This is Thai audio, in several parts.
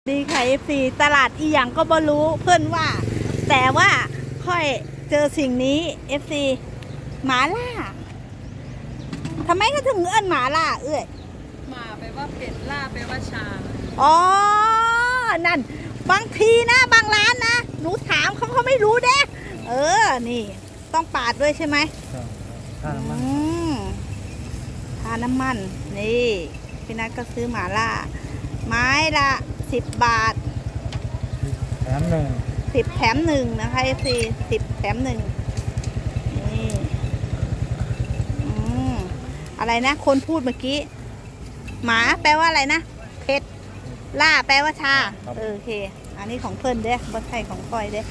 ดีค่ะFC ตลาดอีหยังก็บ่รู้เพื่อนว่าแต่ว่าค่อยเจอสิ่งนี้ FC หมาล่าทำไมเขาถึงเอิ้นหมาล่าหมาแปลว่าเป็ดล่าแปลว่าชาอ๋อนั่นบางทีนะบางร้านนะหนูถามเขาไม่รู้เด้นี่ต้องปาดด้วยใช่ไหมทาน้ำมันนี่พี่นัทก็ซื้อหมาล่าไม้ละ10 บาทแถมหนึ่ง 10 แถม 1นะคะFC 10 แถม 1นี่อะไรนะคนพูดเมื่อกี้หมาแปลว่าอะไรนะเผ็ดล่าแปลว่าชาโอเคอันนี้ของเพิ่นเด้บ่ใช่ของก้อยเด้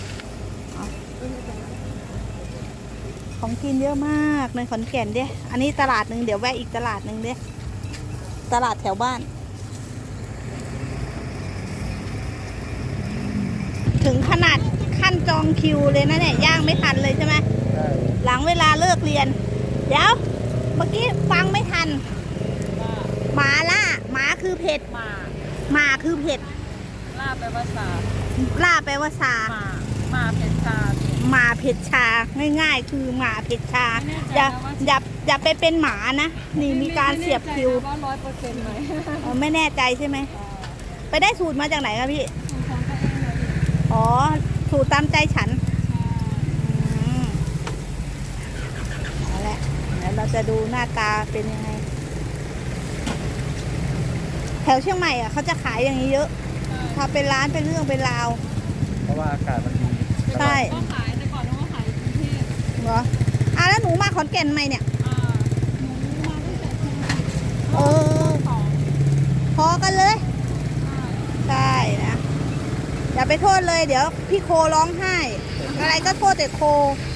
ของกินเยอะมากในขอนแก่นเด้อันนี้ตลาดหนึ่งเดี๋ยวแวะอีกตลาดหนึ่งเด้ตลาดแถวบ้านถึงขนาดขั้นจองคิวเลยนะเนี่ยย่างไม่ทันเลยใช่ไหมหลังเวลาเลิกเรียนเดี๋ยวเมื่อกี้ฟังไม่ทันหมาล่าหมาคือเผ็ดหมาคือเผ็ดล่าแปลว่าชาล่าแปลว่าชาหมาเผ็ดชาหมาเผ็ดชาง่ายๆคือหมาเผ็ดชาอย่าไปเป็นหมานะนี่มีการเสียบคิวว่า100%ไหมไม่แน่ใจใช่ไหมไปได้สูตรมาจากไหนครับพี่อ๋อสูตรตามใจฉันเอาละเดี๋ยวเราจะดูหน้าตาเป็นยังไงแถวเชียงใหม่เขาจะขายอย่างนี้เยอะถ้าเป็นร้านเป็นเรื่องเป็นราวเพราะว่าอากาศมันดีใช่ก็ขายแต่ก่อนเราก็ขายกรุงเทพเหรอแล้วหนูมาขอนแก่นไหมเนี่ยหนูมาตั้งแต่พอกันเลยใช่นะอย่าไปโทษเลยเดี๋ยวพี่โคร้องไห้อะไรก็โทษแต่โค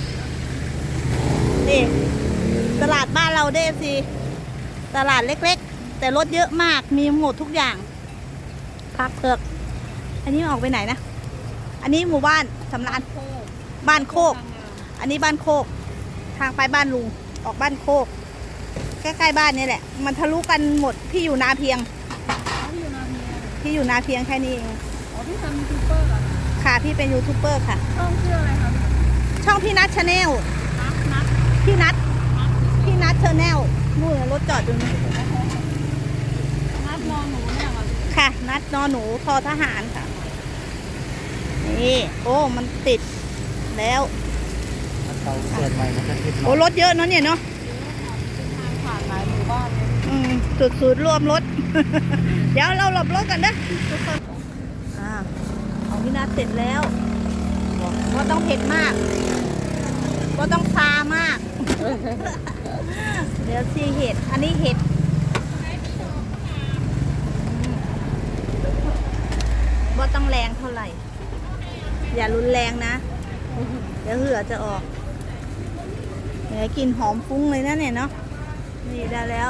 นี่ตลาดบ้านเราเด้สิตลาดเล็กๆแต่รถเยอะมากมีหมดทุกอย่างผักเผือกอันนี้ออกไปไหนนะอันนี้หมู่บ้านสำรานบ้านโคกอันนี้บ้านโคกทางไปบ้านลุงออกบ้านโคกใกล้ๆบ้านนี่แหละมันทะลุกันหมดพี่อยู่นาเพียงพี่อยู่นาเพียงแค่นี้เองพี่ทำยูทูบเบอร์เหรอค่ะพี่เป็นยูทูบเบอร์ค่ะช่องชื่ออะไรคะช่องพี่นัทชาแนลพี่นัทชาแนลนู่นรถจอดอยู่นี่นัดนอนหนูเนี่ยค่ะนัดนอนหนูทอทหารค่ะนี่โอ้มันติดแล้วเตาเกิดใหม่มันจะติดโอ้รถเยอะเนาะเนี่ยเนาะทางผ่านหลายหมู่บ้านจุดศูนย์รวมรถ เดี๋ยวเราหลบรถกันนะทุกคนของพี่นัทเสร็จแล้วก็ต้องเผ็ดมากก็ต้องซามาก เดี๋ยวซีเห็ดอันนี้เห็ดก็ต้องแรงเท่าไหร่อย่ารุนแรงนะเดี๋ยวเหือจะออกเนี่ยกลิ่นหอมฟุ้งเลยนะเนี่ยเนาะนี่ได้แล้ว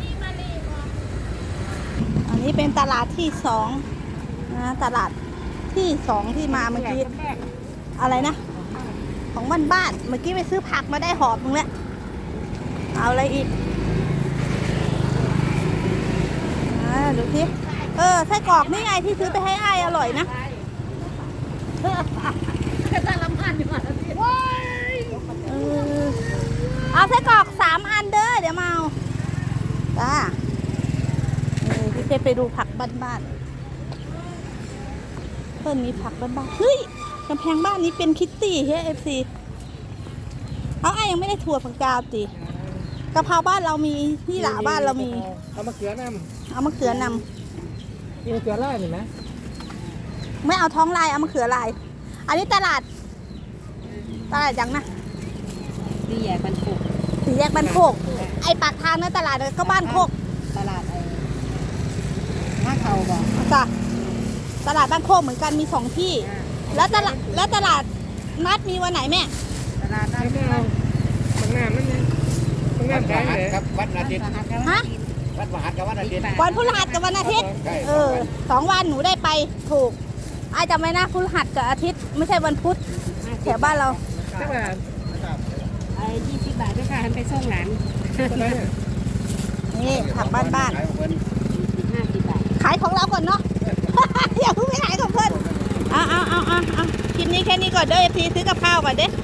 อันนี้เป็นตลาดที่2นะตลาดที่2ที่มาเมื่อกี้อะไรนะของบ้านเมื่อกี้ไปซื้อผักมาได้หอบนึงแล้วเอาอะไรอีกดูสิไส้กรอกนี่ไงที่ซื้อไปให้อ้ายอร่อยนะจะตาลำพันอยู่อ่ะเอาไส้กรอก3 อันเด้อเดี๋ยวมาเอาจ้าพี่เคไปดูผักบ้านเพิ่นมีผักบ้านเฮ้ยกำแพงบ้านนี้เป็นคิตตี้เฮ้ยFC เอาไอ้ยังไม่ได้ถั่วฝักยาวติกะเพราบ้านเรามีที่หล่าบ้านเรามีเอามะเขือนำมีมะเขือลายเห็นไหมไม่เอาท้องลายเอามะเขือลายอันนี้ตลาดยังนะสี่แยกบ้านโคกไอปากทางนั้นตลาดก็บ้านโคกตลาดบ้านเขาบอกจ้ะตลาดบ้านโคกเหมือนกันมี2 ที่แล้วตลาดนัดมีวันไหนแม่ตลาดนัดบางน้ำนั่นไงบางน้ำขายเลยครับวันอาทิตย์ฮะวันพฤหัสกับวันอาทิตย์วันพฤหัสกับวันอาทิตย์2 วันหนูได้ไปถูกไอ้จำไว้นะพฤหัสกับอาทิตย์ไม่ใช่วันพุธแถวบ้านเราก็แบบ20 บาทด้วยค่ะไปส่งหลานนี่ผักบ้าน 50 บาทขายของเราก่อนเนาะอย่าเพิ่งไปไหนของเพื่อนเอาคลิปนี้แค่นี้ก่อนเด้อเอฟซีซื้อกับข้าวก่อนเด้